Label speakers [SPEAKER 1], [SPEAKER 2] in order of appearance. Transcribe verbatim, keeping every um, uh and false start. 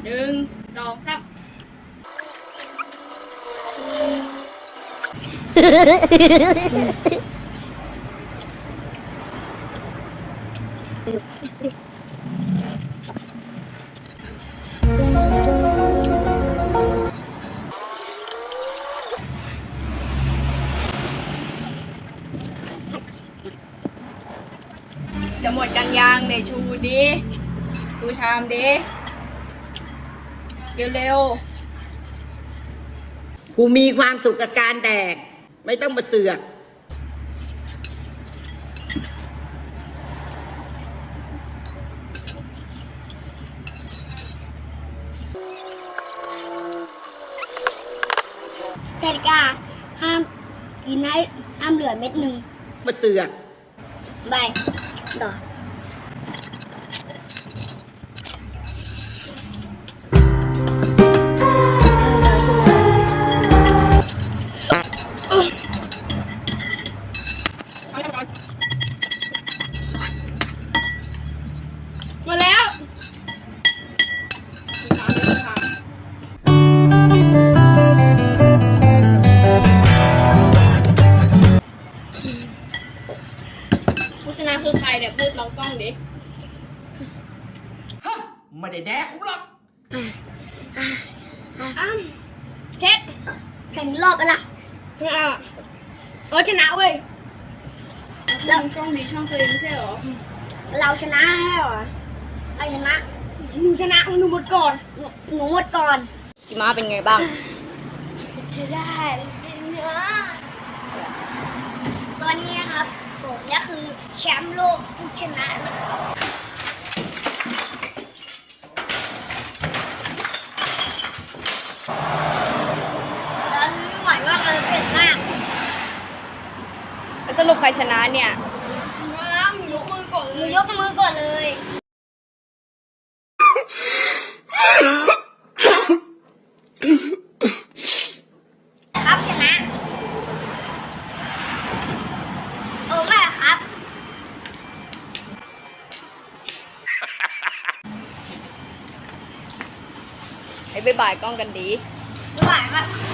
[SPEAKER 1] หนึ่งสองสามจะหมดกันยังเดี๋ยวชูดีชูชามดีเร็วๆ
[SPEAKER 2] กูมีความสุขกับการแดกไม่ต้องมาเสือก
[SPEAKER 3] กติกาห้ามกินให้ห้ามเหลือเม็ดหนึ่ง
[SPEAKER 2] มาเสือก
[SPEAKER 3] ไปต่อ
[SPEAKER 1] มาแล้วผู้ชนะคือใครเนี่ยพูดน้องกล้องดิ
[SPEAKER 2] ไม่ได้แดกกูหรอก
[SPEAKER 1] อ้าวเพชร
[SPEAKER 3] แข่งรอบกันล่ะ
[SPEAKER 1] ไม่เอาเออชนะเว้ยเรากล้องดีช่องตัวเองไม่ใช่เหรอ
[SPEAKER 3] เราชนะแล้วเหรอเราชนะ
[SPEAKER 1] หนูชนะหนูหมดก่อน
[SPEAKER 3] หนูหมดก่อน
[SPEAKER 1] พี่ม้าเป็นไงบ้าง
[SPEAKER 3] จะได้เนื้อตอนนี้นะครับผมนี่คือแชมป์โลกผู้ชนะนะครับตอนนี้ไหวว่าเราเผ็ดมาก
[SPEAKER 1] สรุปใครชนะเนี่ยม้าหนูยกมือก่อน
[SPEAKER 3] หนูยกมือก่อนเลยครับชนะโอ้ไม่ครับ
[SPEAKER 1] ไอ้บ๊ายบายกล้องกันดี
[SPEAKER 3] บ๊ายบายครับ